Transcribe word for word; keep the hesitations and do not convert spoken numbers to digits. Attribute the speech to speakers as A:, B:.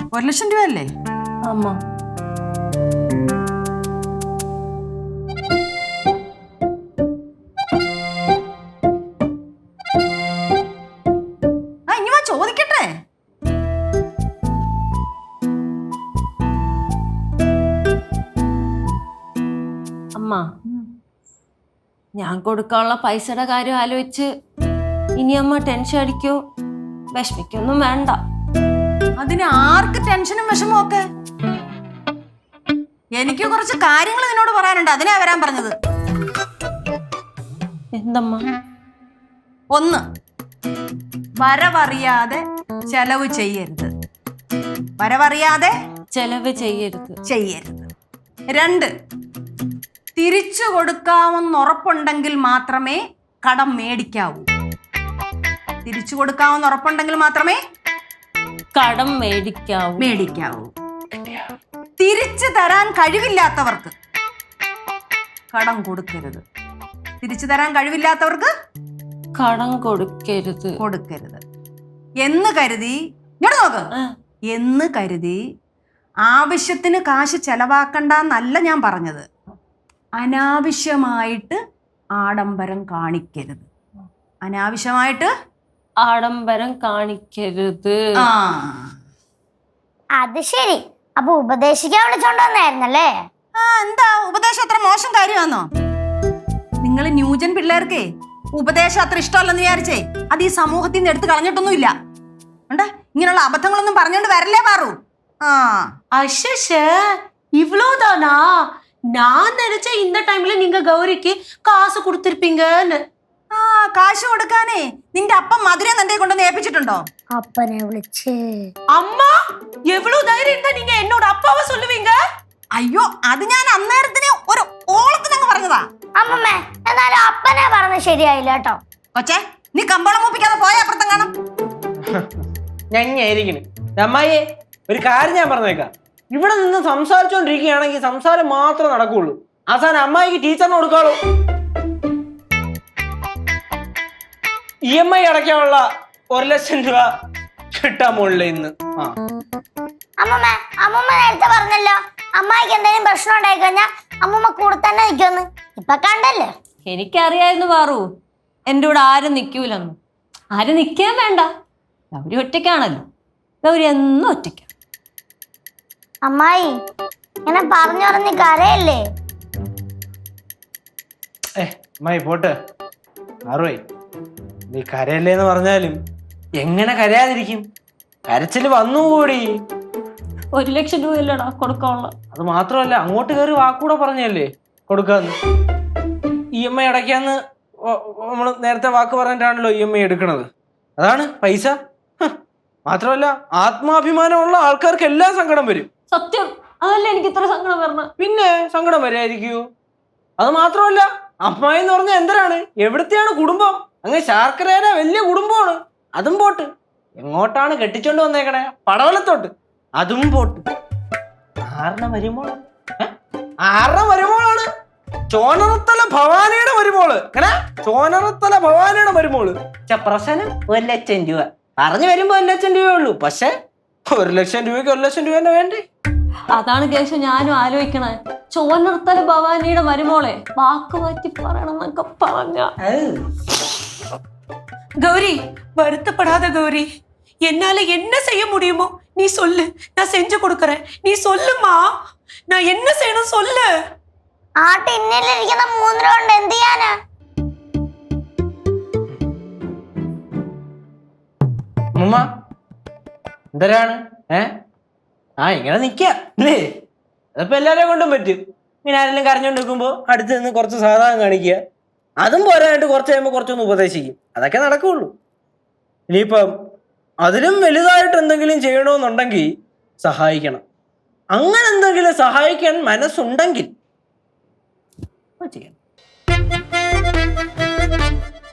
A: ഒരു ലക്ഷം രൂപയല്ലേ?
B: ஆமா.
A: ആ ഇനി വാ ചോദിക്കട്ടെ.
B: അമ്മ, ഞാൻ കൊടുക്കാനുള്ള പൈസയുടെ കാര്യം ആലോചിച്ച് ഇനി അമ്മ ടെൻഷൻ അടിക്കോ വിഷമിക്കൊന്നും വേണ്ട.
A: അതിന് ആർക്ക് ടെൻഷനും വിഷമവും ഒക്കെ? എനിക്ക് കുറച്ച് കാര്യങ്ങൾ നിന്നോട് പറയാനുണ്ട്, അതിനാ വരാൻ പറഞ്ഞത്.
B: എന്തമ്മ?
A: ഒന്ന്, വരവറിയാതെ ചെലവ് ചെയ്യരുത്. വരവറിയാതെ
B: ചെലവ് ചെയ്യരുത്
A: ചെയ്യരുത്. രണ്ട്, തിരിച്ചു കൊടുക്കാമെന്ന് ഉറപ്പുണ്ടെങ്കിൽ മാത്രമേ കടം മേടിക്കാവൂ. തിരിച്ചു കൊടുക്കാമെന്ന് ഉറപ്പുണ്ടെങ്കിൽ മാത്രമേ
B: കടം മേടിക്കാവൂ
A: മേടിക്കാവൂ തിരിച്ചു തരാൻ കഴിവില്ലാത്തവർക്ക് കടം കൊടുക്കരുത്. തിരിച്ചു തരാൻ കഴിവില്ലാത്തവർക്ക്
B: കടം കൊടുക്കരുത്
A: കൊടുക്കരുത് എന്ന് കരുതി, ഇങ്ങോട്ട് നോക്ക്, എന്ന് കരുതി ആവശ്യത്തിന് കാശ് ചെലവാക്കണ്ടെന്നല്ല ഞാൻ പറഞ്ഞത്. അനാവശ്യമായിട്ട് ആഡംബരം കാണിക്കരുത്. അനാവശ്യമായിട്ട്
B: ആഡംബരം കാണിക്കരുത്.
A: ആ
C: അത് ശരി. അപ്പൊ ഉപദേശിക്കാൻ വിളിച്ചോണ്ടോന്നായിരുന്നല്ലേ?
A: ആ എന്താ ഉപദേശം അത്ര മോശം കാര്യമാണോ? നിങ്ങൾ ന്യൂജൻ പിള്ളേർക്കേ ഉപദേശം അത്ര ഇഷ്ടമല്ലെന്ന് വിചാരിച്ചേ അത് ഈ സമൂഹത്തിൽ നിന്ന് എടുത്ത് കളഞ്ഞിട്ടൊന്നുമില്ല. ഉണ്ട് ഇങ്ങനെയുള്ള അബദ്ധങ്ങളൊന്നും പറഞ്ഞോണ്ട് വരല്ലേ പാറു. ആ
D: அஷஷ இவ்வளோதானா? நான் நினைச்சேன் இந்த டைம்ல நீங்க கௌரிக்கு காசு கொடுத்திருப்பீங்கன்னு.
A: ആ കാശ് കൊടുക്കാനേ നിന്റെ അപ്പം മധുരം നിന്റെ കൊണ്ടൊന്ന് ഏൽപ്പിച്ചിട്ടുണ്ടോ?
C: അപ്പനെ വിളിച്ച്.
D: அம்மா எவ்வளவு தைரியம் இருந்தா நீங்க என்னோட அப்பாவை சொல்லுவீங்க?
A: അയ്യോ അത് ഞാൻ അന്നേരത്തിന് ഒരു ഓളത്തിന് അങ്ങ് പറഞ്ഞതാ.
C: അമ്മമ്മേ, എന്നാലും അപ്പനെ പറഞ്ഞത് ശരിയായില്ല കേട്ടോ.
A: കൊച്ചേ നീ കമ്പോളം മൂപ്പിക്കാതെ പോയ അപ്പുറത്തും കാണാം.
E: ഞങ്ങായിരിക്കണ് അമ്മായിയെ ഒരു കാര്യം ഞാൻ പറഞ്ഞേക്കാം. ഇവിടെ നിന്ന് സംസാരിച്ചോണ്ടിരിക്കുകയാണെങ്കിൽ സംസാരം മാത്രമേ നടക്കുള്ളൂ. അവസാനം അമ്മായിക്ക് ടീച്ചറിന് കൊടുക്കാളൂ. ഇ എം ഐ അടയ്ക്കാനുള്ള ഒരു ലക്ഷം രൂപ കിട്ടാൻ മുകളിൽ ഇന്ന്. ആ
C: അമ്മമ്മ അമ്മമ്മ നേരത്തെ പറഞ്ഞല്ലോ അമ്മായിക്ക് എന്തെങ്കിലും പ്രശ്നം ഉണ്ടായി കഴിഞ്ഞാൽ അമ്മമ്മ കൂടെ തന്നെ നിൽക്കുമെന്ന്. ഇപ്പൊ കണ്ടല്ലേ?
B: എനിക്കറിയായിരുന്നു പാറു എൻ്റെ കൂടെ ആരും നിൽക്കൂലെന്ന്. ആരും നിൽക്കാൻ വേണ്ട, ഗൗരി ഒറ്റയ്ക്കാണല്ലോ. ഗൗരി എന്നും ഒറ്റയ്ക്കാണ്.
C: അമ്മായി ഇങ്ങനെ പറഞ്ഞു പറഞ്ഞ് കരയല്ലേ?
E: ഏ അമ്മായി പോട്ട് ആറുവേ, നീ കരയല്ലേന്ന് പറഞ്ഞാലും എങ്ങനെ കരയാതിരിക്കും? കരച്ചില് വന്നുകൂടി.
B: ഒരു ലക്ഷം രൂപയല്ലടാ കൊടുക്കാനുള്ള.
E: അത് മാത്രമല്ല അങ്ങോട്ട് കയറി വാക്കൂടെ പറഞ്ഞല്ലേ കൊടുക്കാന്ന്. ഇ എം ഐ അടയ്ക്കാന്ന് നമ്മള് നേരത്തെ വാക്ക് പറഞ്ഞിട്ടാണല്ലോ ഇ എം ഐ എടുക്കണത്. അതാണ് പൈസ. മാത്രമല്ല ആത്മാഭിമാനമുള്ള ആൾക്കാർക്ക് എല്ലാം സങ്കടം വരും.
B: സത്യം, അതല്ല എനിക്ക് ഇത്ര സങ്കടം വരണം.
E: പിന്നെ സങ്കടം വരായിരിക്കൂ. അത് മാത്രമല്ല അമ്മായി എന്ന് പറഞ്ഞാൽ എന്തരാണ്, എവിടത്തെയാണ് കുടുംബം? അങ്ങ് ശാർക്കരേര വലിയ കുടുംബമാണ്. അതും പോട്ട്. എങ്ങോട്ടാണ് കെട്ടിച്ചോണ്ട് വന്നേക്കണേ? പടവലത്തോട്ട്. അതും പോട്ട്. ആറിന മരുമോളാണ്. ആറിന മരുമോളാണ് ചോനറത്തല ഭവാനിയുടെ മരുമോള്. എങ്ങനെ? ചോനറത്തല ഭവാനിയുടെ മരുമോള്. പ്രശ്നം ഒരു ലക്ഷം രൂപ പറഞ്ഞു വരുമ്പോ ഒരു ലക്ഷം രൂപയേ ഉള്ളൂ. പക്ഷെ ഒരു ലക്ഷം രൂപയ്ക്ക് ഒരു ലക്ഷം രൂപ തന്നെ വേണ്ടേ?
B: അതാണ് കേശു ഞാനും ആലോചിക്കണേ. ചോനർത്തല ഭവാനിയുടെ മരുമോളെ വാക്ക് മാറ്റി പറയണം എന്നൊക്കെ പറഞ്ഞ.
D: கௌரி வருத்தப்படாத கௌரி. என்னால என்ன செய்ய முடியுமோ நீ சொல்லு, நான் செஞ்சு கொடுக்கறேன். நீ சொல்லுமா, நான் என்ன செய்யணும் சொல்லு.
C: ആ ടിന്നിലിരിക്കുന്ന മൂന്ന് രൂപ കൊണ്ട് എന്ത് ചെയ്യാനാ?
E: ഉമ്മ എന്തരാണ്? ഏ ആ ഇങ്ങനെ നിക്കേ അതപ്പോ എല്ലാരെയും കൊണ്ടും പറ്റും. ഇങ്ങനെ ആരെങ്കിലും കരഞ്ഞോണ്ട് നിൽക്കുമ്പോ അടുത്ത് നിന്ന് കുറച്ച് സാധാരണ കാണിക്കുക. അതും പോരാനായിട്ട് കുറച്ച് കഴിയുമ്പോൾ കുറച്ചൊന്ന് ഉപദേശിക്കും. അതൊക്കെ നടക്കുള്ളൂ. ഇനിയിപ്പം അതിലും വലുതായിട്ട് എന്തെങ്കിലും ചെയ്യണമെന്നുണ്ടെങ്കിൽ സഹായിക്കണം. അങ്ങനെ എന്തെങ്കിലും സഹായിക്കാൻ മനസ്സുണ്ടെങ്കിൽ ചെയ്യണം.